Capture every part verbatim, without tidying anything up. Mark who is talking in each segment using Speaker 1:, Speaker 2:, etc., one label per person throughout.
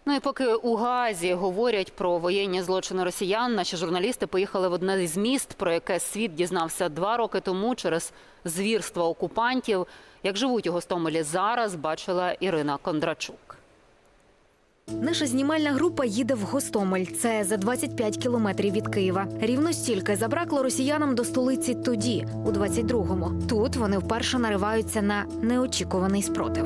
Speaker 1: Ну і поки у Гаазі говорять про воєнні злочини росіян, наші журналісти поїхали в одне з міст, про яке світ дізнався два роки тому через звірства окупантів. Як живуть у Гостомелі зараз, бачила Ірина Кондрачук.
Speaker 2: Наша знімальна група їде в Гостомель. Це за двадцять п'ять кілометрів від Києва. Рівно стільки забракло росіянам до столиці тоді, у двадцять другому. Тут вони вперше нариваються на неочікуваний спротив.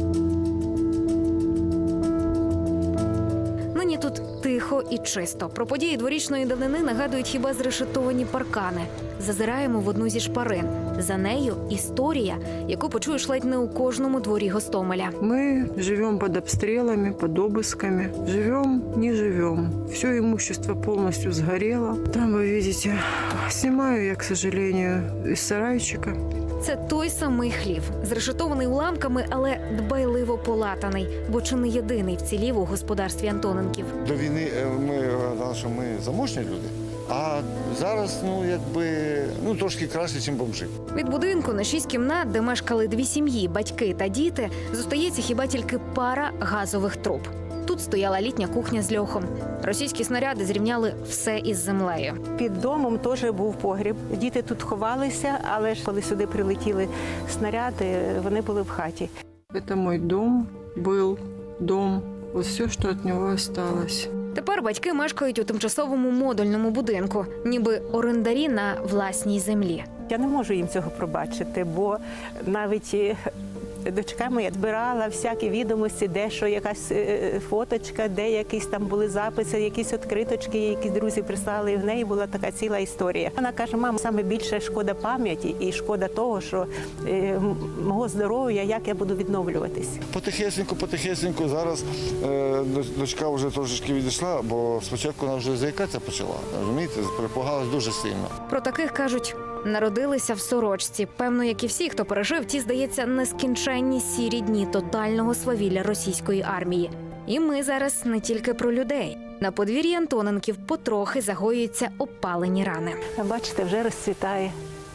Speaker 2: Нині тут тихо і чисто. Про події дворічної давнини нагадують хіба зрешетовані паркани. Зазираємо в одну зі шпарин. За нею історія, яку почуєш ледь не у кожному дворі Гостомеля.
Speaker 3: Мы живем под обстрелами, под обысками. Живем, не живем. Все имущество полностью сгорело. Там вы видите, снимаю я, к сожалению, из сарайчика.
Speaker 2: Це той самий хлів, зрешетований уламками, але дбайливо полатаний, бо чи не єдиний вцілів у господарстві Антоненків.
Speaker 4: До війни ми гадали, що ми заможні люди, а зараз, ну, якби, ну, трошки краще, ніж бомжи.
Speaker 2: Від будинку на шість кімнат, де мешкали дві сім'ї, батьки та діти, зостається хіба тільки пара газових труб. Тут стояла літня кухня з льохом. Російські снаряди зрівняли все із землею.
Speaker 5: Під домом теж був погріб. Діти тут ховалися, але ж коли сюди прилетіли снаряди, вони були в хаті.
Speaker 3: Это мой дом, был дом. Вот все, что от него осталось.
Speaker 2: Тепер батьки мешкають у тимчасовому модульному будинку, ніби орендарі на власній землі.
Speaker 5: Я не можу їм цього пробачити, бо навіть дочка моя збирала всякі відомості, де що якась фоточка, де якісь там були записи, якісь відкриточки, які друзі прислали, і в неї була така ціла історія. Вона каже: мама, саме більше шкода пам'яті і шкода того, що е, мого здоров'я, як я буду відновлюватись.
Speaker 4: Потихесеньку, потихесеньку, зараз е, дочка вже трошечки відійшла, бо спочатку вона вже заїкатися почала, розумієте, перепугалась дуже сильно.
Speaker 2: Про таких кажуть, народилися в сорочці. Певно, як і всі, хто пережив ті, здається, нескінченні сірі дні тотального свавілля російської армії. І ми зараз не тільки про людей. На подвір'ї Антоненків потрохи загоюються опалені рани.
Speaker 5: Бачите, вже розцвітає.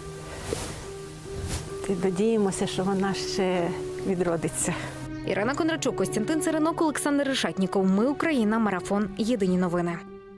Speaker 5: І надіємося, що вона ще відродиться.
Speaker 2: Ірина Кондрачук, Костянтин Царинок, Олександр Решетніков. Ми Україна. Марафон. Єдині новини.